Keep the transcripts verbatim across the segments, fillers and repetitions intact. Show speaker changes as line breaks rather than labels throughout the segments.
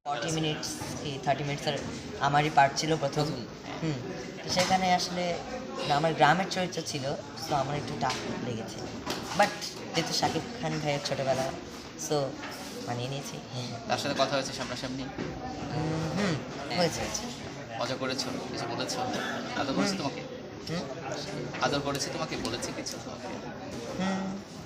Forty minutes কি thirty মিনিটসের আমারই পার্ট ছিল প্রথম। হুম তো সেখানে আসলে না, আমার গ্রামের চরিত্র ছিল, সো আমার একটু টাফ লেগেছে, বাট যেহেতু শাকিব খান ভাইয়ের ছোটোবেলা, সো মানিয়ে নিয়েছি।
তার সাথে কথা হয়েছে সামনাসামনি?
উম, হুম হয়েছে।
মজা করেছো? কিছু বলেছো? আদর করেছে
হুম।
তোমাকে?
হুম
আদর করেছে তোমাকে? বলেছে কিছু তোমাকে?
হুম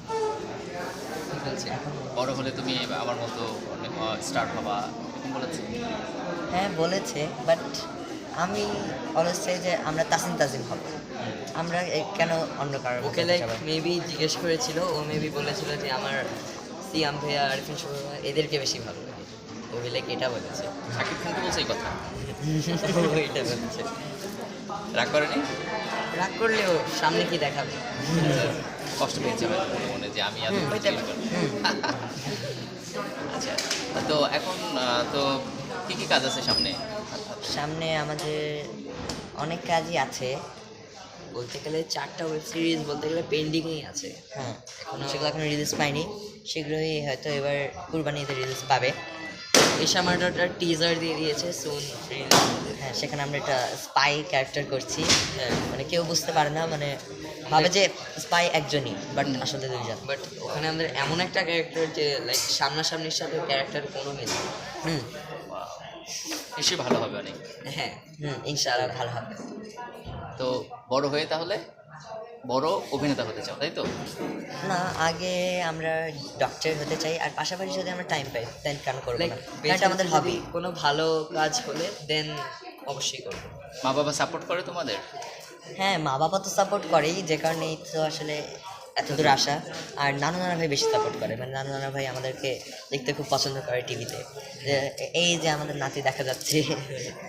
বলছে
এখন
বড় হলে তুমি আমার মতো স্টার হবা, এরকম বলেছে?
হ্যাঁ বলেছে, বাট আমি অলওয়েজ চাই যে আমরা তাসিম তাজিম হব, আমরা এ- কেন অন্য কারোর
ওকে
মতো
লাইক
যাবো?
মেবি জিজ্ঞেস করেছিল, ও মেবি বলেছিল যে আমার সিয়াম ভাইয়া আরিফিন শুভ এদেরকে বেশি ভালো লাগে। ও লাইক এটা বলেছে।
শাকিব খানকে বলছে এই কথা?
ও এটা বলেছে।
রাগ করেনি?
রাগ করলেও সামনে কি দেখাবে?
কষ্ট পেয়েছে হয়তো মনে মনে যে আমি আদর
হুম,
করেছি
হইতে পারে।
এরকম। আচ্ছা, তো এখন আহ, তো কি কি কাজ আছে সামনে?
সামনে আমাদের অনেক কাজই আছে।
বলতে গেলে চারটা ওয়েব সিরিজ বলতে গেলে পেন্ডিংই আছে।
হ্যাঁ
এখনো
সেগুলো এখন রিলিজ পায়নি, শীঘ্রই হয়তো এবার কুরবানিতে রিলিজ পাবে।
এশা মার্ডারটার টিজার দিয়ে দিয়েছে, সুন রিলিজ।
হ্যাঁ সেখানে আমরা একটা স্পাই ক্যারেক্টার করছি,
হ্যাঁ,
মানে কেউ বুঝতে পারে না, মানে ভাবে যে স্পাই একজনই, বাট আসলে দুইজন।
বাট ওখানে আমাদের এমন একটা ক্যারেক্টার যে লাইক সামনাসামনির সাথে ক্যারেক্টার কোনো মিল নেই।
হুম
নিশ্চয়ই ভালো হবে অনেক।
হ্যাঁ,
হুম ইনশাআল্লাহ ভালো হবে।
তো বড় হয়ে তাহলে বড় অভিনেতা হতে চাও, তাই তো?
না, আগে আমরা ডক্টর হতে চাই, আর পাশাপাশি যদি আমরা টাইম পাই দেন কেন করবো
লাইক
না, কারণ এটা আমাদের হবি।
কোনো ভালো কাজ হলে দেন অবশ্যই করবো।
মা বাবা সাপোর্ট করে তোমাদের?
হ্যাঁ মা বাবা তো সাপোর্ট করেই, যে কারণে তো আসলে এত দূর আসা। আর নানু নানা ভাই বেশি সাপোর্ট করে, মানে নানু নানা ভাই আমাদেরকে দেখতে খুব পছন্দ করে টিভিতে, যে এই যে আমাদের নাতি দেখা যাচ্ছে।